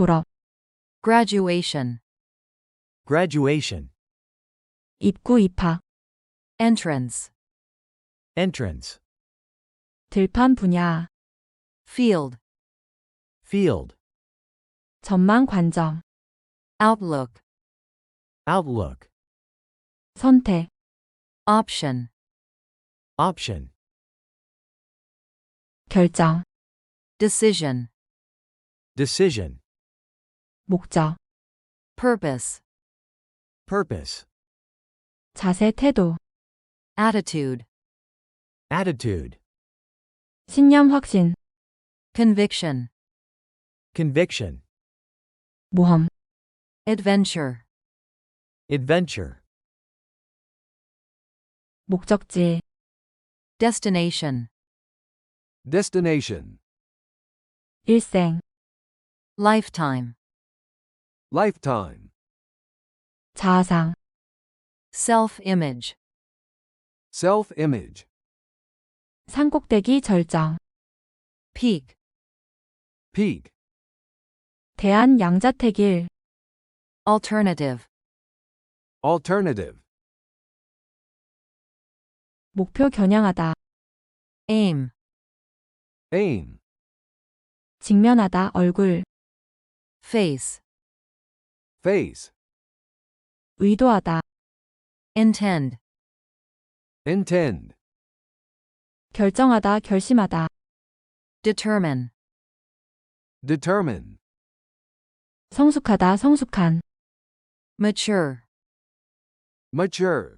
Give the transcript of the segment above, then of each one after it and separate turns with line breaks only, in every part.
졸업,
graduation,
graduation,
입구 입학,
entrance,
entrance,
들판 분야,
field,
field,
전망 관점,
outlook,
outlook,
선택,
option,
option,
결정,
decision,
decision,
목적,
purpose,
purpose,
자세 태도,
attitude,
attitude,
신념 확신,
conviction,
conviction,
모험,
adventure,
adventure,
목적지,
destination,
destination,
일생,
lifetime,
lifetime,
자아상,
self-image,
self-image,
산꼭대기 절정,
peak,
peak,
대한 양자택일,
alternative,
alternative,
목표 겨냥하다,
aim,
aim,
직면하다 얼굴,
face,
face,
의도하다,
intend,
intend,
결정하다 결심하다,
determine,
determine,
성숙하다 성숙한,
mature,
mature,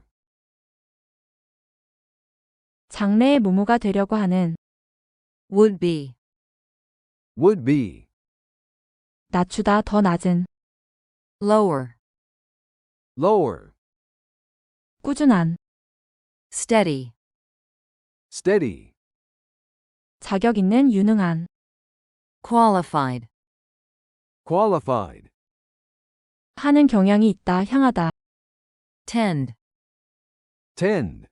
장래의 모모가 되려고 하는,
would be,
would be,
낮추다 더 낮은,
lower,
lower,
꾸준한,
steady,
steady,
자격 있는 유능한,
qualified,
qualified,
하는 경향이 있다 향하다,
tend,
tend,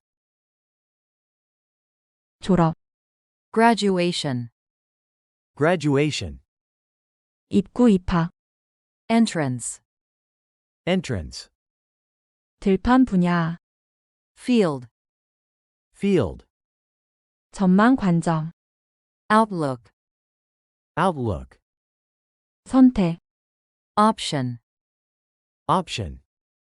졸업,
graduation,
graduation,
입구 입학,
entrance,
entrance,
들판 분야,
field,
field,
전망 관점,
outlook,
outlook,
선택,
option,
option,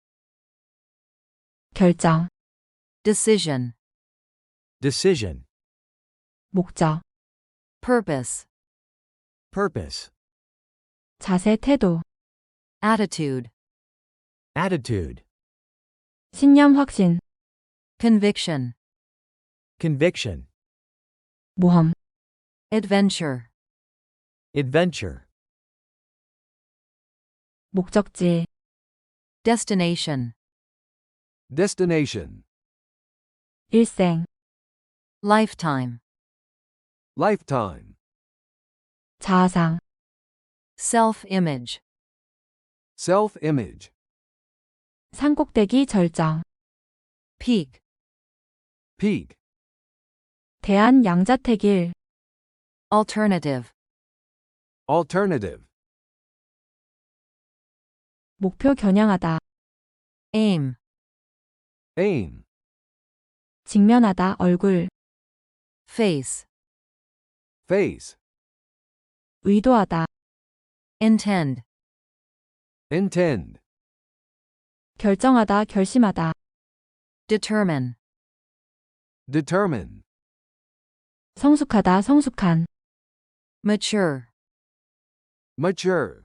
결정,
decision,
decision,
목적,
purpose,
purpose,
자세 태도,
attitude,
attitude,
신념 확신,
conviction,
conviction,
모험,
adventure,
adventure,
목적지,
destination,
destination,
일생,
lifetime,
lifetime,
자아상,
self-image,
self-image,
산꼭대기 절정,
peak,
peak,
대한 양자택일,
alternative,
alternative,
목표 겨냥하다,
aim,
aim,
직면하다 얼굴,
face,
face,
의도하다,
intend,
intend,
결정하다 결심하다,
determine,
determine,
성숙하다 성숙한,
mature,
mature,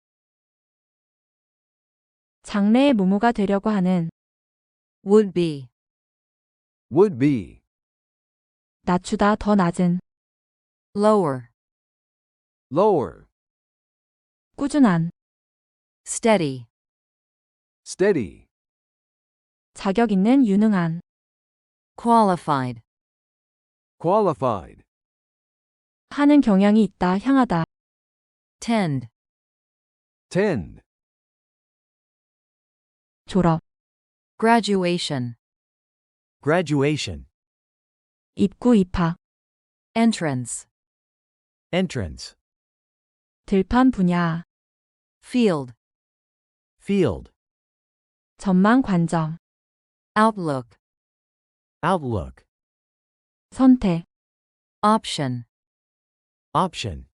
장래의 모모가 되려고 하는,
would be,
would be,
낮추다 더 낮은,
lower,
lower,
꾸준한,
steady,
steady,
자격 있는 유능한,
qualified,
qualified,
하는 경향이 있다 향하다,
tend,
tend,
졸업,
graduation,
graduation,
입구 입학,
entrance,
entrance,
들판 분야,
field,
field,
전망 관점,
outlook,
outlook,
선택,
option,
option,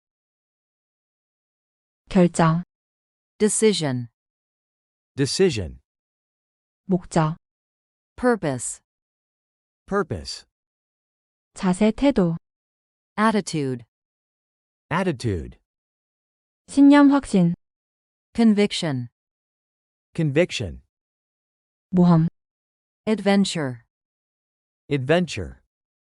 결정,
decision,
decision,
목적,
purpose,
purpose,
자세, 태도,
attitude,
attitude,
신념, 확신,
conviction,
conviction,
모험,
adventure,
adventure,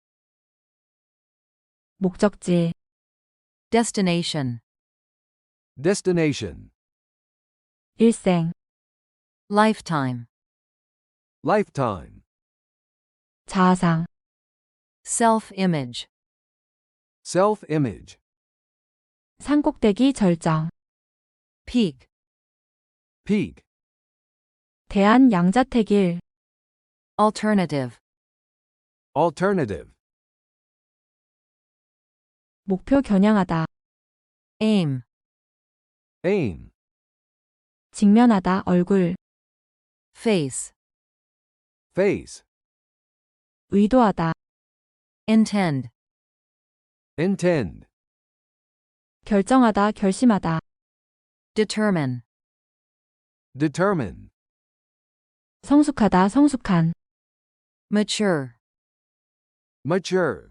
목적지,
destination,
destination,
일생,
lifetime,
lifetime,
자아상,
self-image,
self-image,
산꼭대기 절정,
peak,
peak,
대한 양자택일,
alternative,
alternative,
목표 겨냥하다,
aim,
aim,
직면하다, 얼굴,
face,
face,
의도하다,
intend,
intend,
결정하다, 결심하다,
determine,
determine,
성숙하다, 성숙한,
mature,
mature,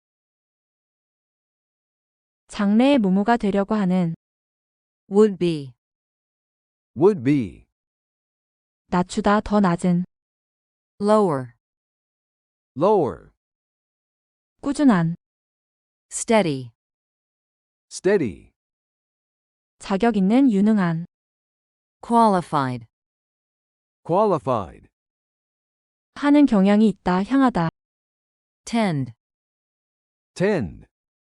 장래의 모모가 되려고 하는,
would be,
would be,
낮추다, 더 낮은,
lower,
lower,
꾸준한,
steady,
steady,
자격 있는, 유능한,
qualified,
qualified,
하는 경향이 있다, 향하다,
tend,
tend,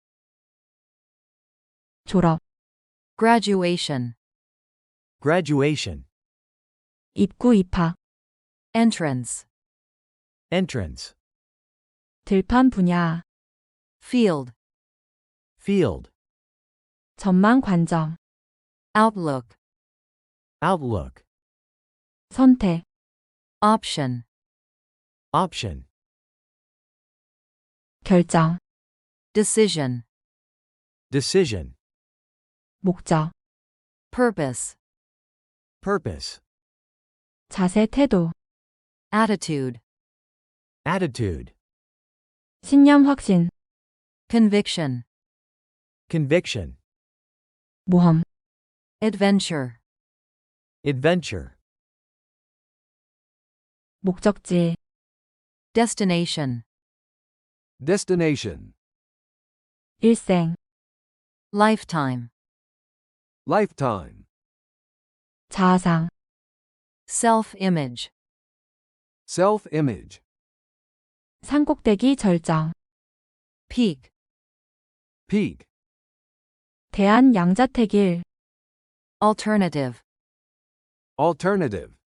졸업,
graduation,
graduation,
입구, 입학,
entrance,
entrance,
들판, 분야,
field,
field,
전망, 관점,
outlook,
outlook,
선택,
option,
option,
결정,
decision,
decision,
목적,
purpose,
purpose,
자세, 태도,
attitude,
attitude,
신념, 확신,
conviction,
conviction,
모험,
adventure,
adventure,
목적지,
destination,
destination,
일생,
lifetime,
lifetime,
자아상,
self-image,
self-image,
산꼭대기 절정,
peak,
peak,
대한 양자택일,
alternative,
alternative,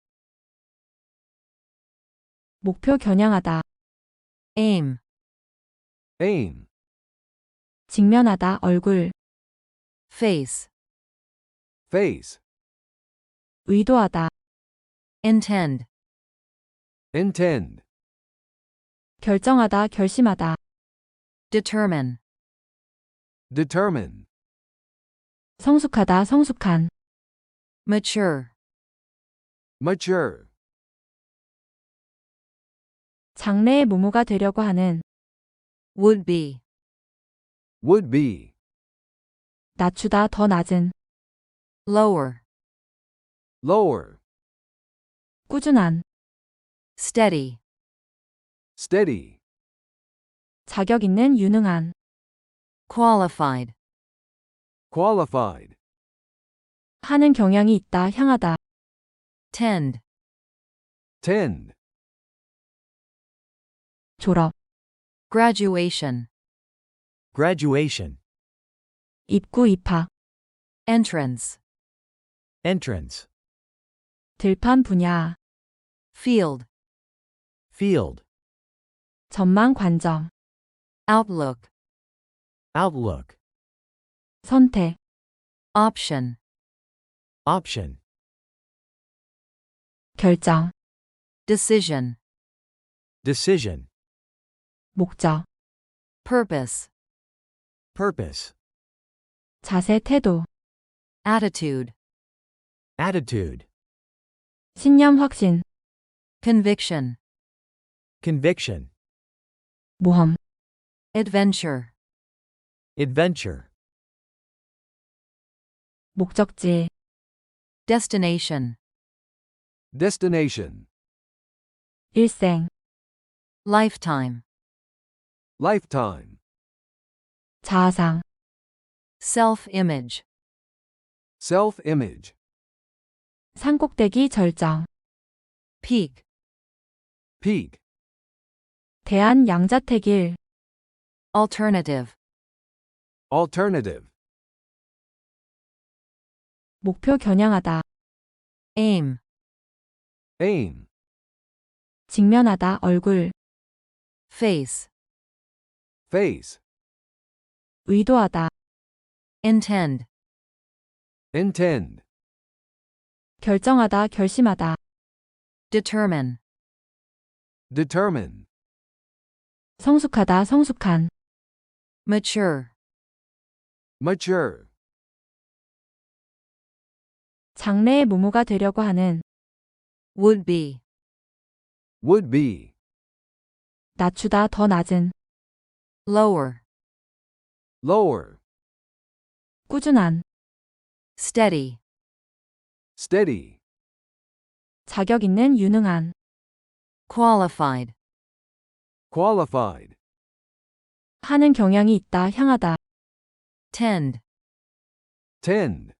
목표 겨냥하다,
aim,
aim,
직면하다, 얼굴,
face,
face,
의도하다,
intend,
intend,
결정하다, 결심하다,
determine,
determine,
성숙하다, 성숙한,
mature,
mature,
장래의 모모가 되려고 하는,
would be,
would be,
낮추다, 더 낮은,
lower,
lower,
꾸준한,
steady,
steady,
자격 있는, 유능한,
qualified,
qualified,
하는 경향이 있다, 향하다,
tend,
tend,
졸업,
graduation,
graduation,
입구, 입학,
entrance,
entrance,
들판, 분야,
field,
field,
전망, 관점,
outlook,
outlook,
선택,
option,
Option.
결정,
Decision.
Decision.
목적,
Purpose.
Purpose.
자세, 태도,
Attitude.
Attitude.
신념, 확신,
Conviction.
Conviction.
모험,
Adventure.
Adventure.
목적지,
Destination.
Destination.
일생,
Lifetime.
Lifetime.
자아상,
Self-image.
Self-image.
산꼭대기, 절정,
Peak.
Peak.
대안, 양자택일,
Alternative.
Alternative.
목표, 겨냥하다,
Aim.
Aim.
직면하다, 얼굴,
Face.
Face.
의도하다,
Intend.
Intend.
결정하다, 결심하다,
Determine.
Determine.
성숙하다, 성숙한,
Mature.
Mature.
장래의 모모가 되려고 하는,
Would be.
Would be.
낮추다, 더 낮은,
Lower.
Lower.
꾸준한,
Steady.
Steady.
자격 있는, 유능한,
Qualified.
Qualified.
하는 경향이 있다, 향하다,
Tend.
Tend.